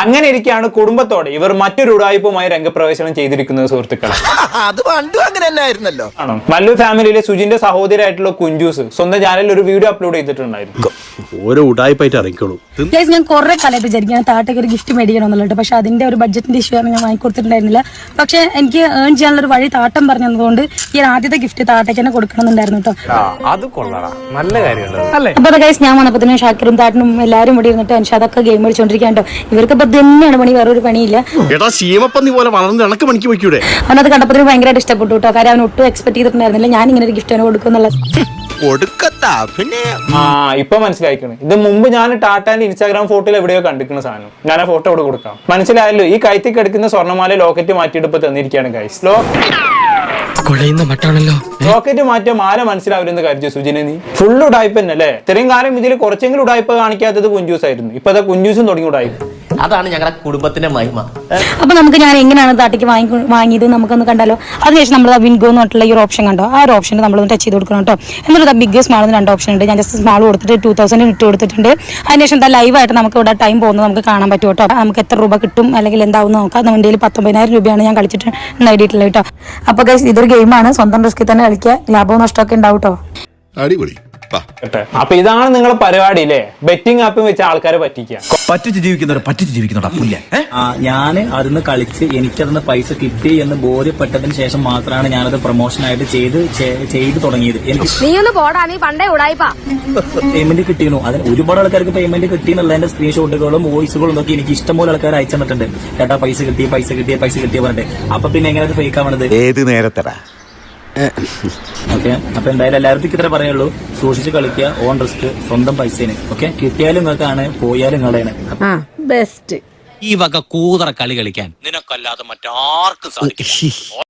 അങ്ങനെ ഇരിക്കെയാണ് കുടുംബത്തോടെ ഇവർ മറ്റൊരു ഉടായ്പുമായി രംഗപ്രവേശനം ചെയ്തിരിക്കുന്നത് സുഹൃത്തുക്കളെ. അത് പണ്ടും അങ്ങനെ തന്നെ ആയിരുന്നല്ലോ. ആണോ? മല്ലു ഫാമിലിയിലെ സുജിന്റെ സഹോദരിയായിട്ടുള്ള കുഞ്ചൂസ് സ്വന്തം ചാനലിൽ ഒരു വീഡിയോ അപ്ലോഡ് ചെയ്തിട്ടുണ്ടായിരുന്നു. ഓരോ ഉടായ്പായിട്ട് അറിയിക്കോളൂ. ഞാൻ കുറെ കാലമായിട്ട് വിചാരിക്കാൻ താട്ടയ്ക്ക് ഒരു ഗിഫ്റ്റ് മേടിക്കണമെന്നുള്ളത്, പക്ഷെ അതിന്റെ ഒരു ബഡ്ജറ്റിന്റെ ഇഷ്യൂ ആണ് ഞാൻ വാങ്ങിക്കൊടുത്തിട്ടുണ്ടായിരുന്നില്ല. പക്ഷെ എനിക്ക് ഏൺ ചെയ്യാനുള്ള ഒരു വഴി താട്ടം പറഞ്ഞതുകൊണ്ട് ഈ ആദ്യത്തെ ഗിഫ്റ്റ് താട്ടയ്ക്ക് തന്നെ കൊടുക്കണമെന്നുണ്ടായിരുന്നു കേട്ടോ. അത് കൊള്ളാം, നല്ല കാര്യമല്ലേ. അപ്പൊ ഗൈസ് ഞാൻ വന്നപ്പോ ഷാക്കിറും താട്ടനും എല്ലാവരും ഇവിടെ ഇരുന്നിട്ട് അൻഷാദൊക്കെ ഗെയിം കളിച്ചോണ്ടിരിക്കാൻ കേട്ടോ. ഇവർക്ക് ഇപ്പൊ തന്നെയാണ് പണി, വേറൊരു പണിയില്ല. അവനത് കണ്ടപ്പോൾ ഭയങ്കരമായിട്ട് ഇഷ്ടപ്പെട്ടു കേട്ടോ. കാര്യം അവൻ ഒട്ടും എക്സ്പെക്ട് ചെയ്തിട്ടുണ്ടായിരുന്നില്ല ഞാൻ ഇങ്ങനെ ഒരു ഗിഫ്റ്റ് അവന് കൊടുക്കുന്നുള്ളത്. ഇപ്പൊ മനസ്സിലായിക്കണ്. ഇത് മുമ്പ് ഞാൻ ടാറ്റാന്റെ ഇൻസ്റ്റാഗ്രാം ഫോട്ടോയിൽ എവിടെയോ കണ്ടിരിക്കുന്ന സാധനം. ഞാൻ ആ ഫോട്ടോ അവിടെ കൊടുക്കാം. മനസ്സിലായല്ലോ. ഈ കൈത്തിൽ കിടക്കുന്ന സ്വർണ്ണമാല ലോക്കറ്റ് മാറ്റിയിട്ട് ഇപ്പൊ തന്നിരിക്കുകയാണ് ഗൈസ്. റോക്കറ്റ് മാറ്റിയ മാല മനസ്സിലാവില്ലെന്ന് കരുതി സുജിനെ നീ ഫുൾ ഉടായ്പ തന്നെ അല്ലേ? ഇത്രയും കാലം ഇതിൽ കുറച്ചെങ്കിലും ഉടായ്പ കാണിക്കാത്തത് കുഞ്ചൂസ് ആയിരുന്നു. ഇപ്പൊ അതാ കുഞ്ചൂസും തുടങ്ങി ഉടായ്പ. അതാണ് ഞങ്ങളുടെ കുടുംബത്തിന്റെ മഹിമ. അപ്പൊ നമുക്ക് ഞാൻ എങ്ങനെയാണ് താട്ടിക്ക് വാങ്ങിയത് നമുക്കൊന്ന് കണ്ടാലോ. അതിനുശേഷം നമ്മൾ വിൻഗോ എന്ന് പറഞ്ഞിട്ടുള്ള ഈ ഒരു ഓപ്ഷൻ കണ്ടോ, ആ ഒരു ഓപ്ഷൻ നമ്മൾ ടച്ച് ചെയ്ത് കൊടുക്കണം കേട്ടോ. എന്നിട്ട് ബിഗ് സ്മാൾ 2 ഓപ്ഷൻ ഉണ്ട്. ഞാൻ ജസ്റ്റ് സ്മാൾ കൊടുത്തിട്ട് 2000 ഇട്ട് കൊടുത്തിട്ടുണ്ട്. അതിനുശേഷം ലൈവായിട്ട് നമുക്ക് ഇവിടെ ടൈം പോകുന്നത് നമുക്ക് കാണാൻ പറ്റും കേട്ടോ. നമുക്ക് എത്ര രൂപ കിട്ടും അല്ലെങ്കിൽ എന്താവും നോക്കാം. നമ്മുടെ 19,000 രൂപയാണ് ഞാൻ കളിച്ചിട്ട് നേടിയിട്ടുള്ളത് കേട്ടോ. അപ്പൊ ഗൈസ് ഇതൊരു ഗെയിമാണ്, സ്വന്തം റിസ്കിൽ തന്നെ കളിക്കുക. ലാഭവും നഷ്ടമൊക്കെ ഉണ്ടാവും കേട്ടോ. അടിപൊളി. അപ്പൊ ഇതാണ് നിങ്ങളെ പരിപാടി അല്ലേ? ബെറ്റിംഗ് ആപ്പ് വെച്ച് ആൾക്കാരെ പറ്റിക്കുക. പറ്റിച്ച് ജീവിക്കുന്നവർ ഞാൻ അതിന്ന് കളിച്ച് എനിക്കതിന് പൈസ കിട്ടി എന്ന് ബോധ്യപ്പെട്ടതിന് ശേഷം മാത്രമാണ് ഞാനത് പ്രൊമോഷനായിട്ട് ചെയ്ത് തുടങ്ങിയത്. എനിക്ക് പേയ്മെന്റ് കിട്ടിയിരുന്നു. അതിന് ഒരുപാട് ആൾക്കാർക്ക് പേയ്മെന്റ് കിട്ടിയെന്നുള്ളതിന്റെ സ്ക്രീൻഷോട്ടുകളും വോയിസുകളും നോക്കി എനിക്ക് ഇഷ്ടംപോലെ ആൾക്കാർ അയച്ചു തന്നിട്ടുണ്ട്. ചേട്ടാ പൈസ കിട്ടിയ പറഞ്ഞിട്ട്. അപ്പൊ പിന്നെ എങ്ങനെ അത് ഫേക്ക് ആവണത്? ഏത് നേരത്തടാ? ഓക്കെ, അപ്പൊ എന്തായാലും എല്ലാവർക്കും ഇത്ര പറയുള്ളൂ. സൂക്ഷിച്ച് കളിക്കുക, ഓൺ റിസ്ക്, സ്വന്തം പൈസേന്. ഓക്കെ, കിട്ടിയാലും നിങ്ങൾക്കാണ്, പോയാലും നിങ്ങളുടെയാണ്. ബെസ്റ്റ്. ഈ വക കൂതറ കളി കളിക്കാൻ നിനക്കല്ലാതെ മറ്റാർക്കും സാധിക്കും.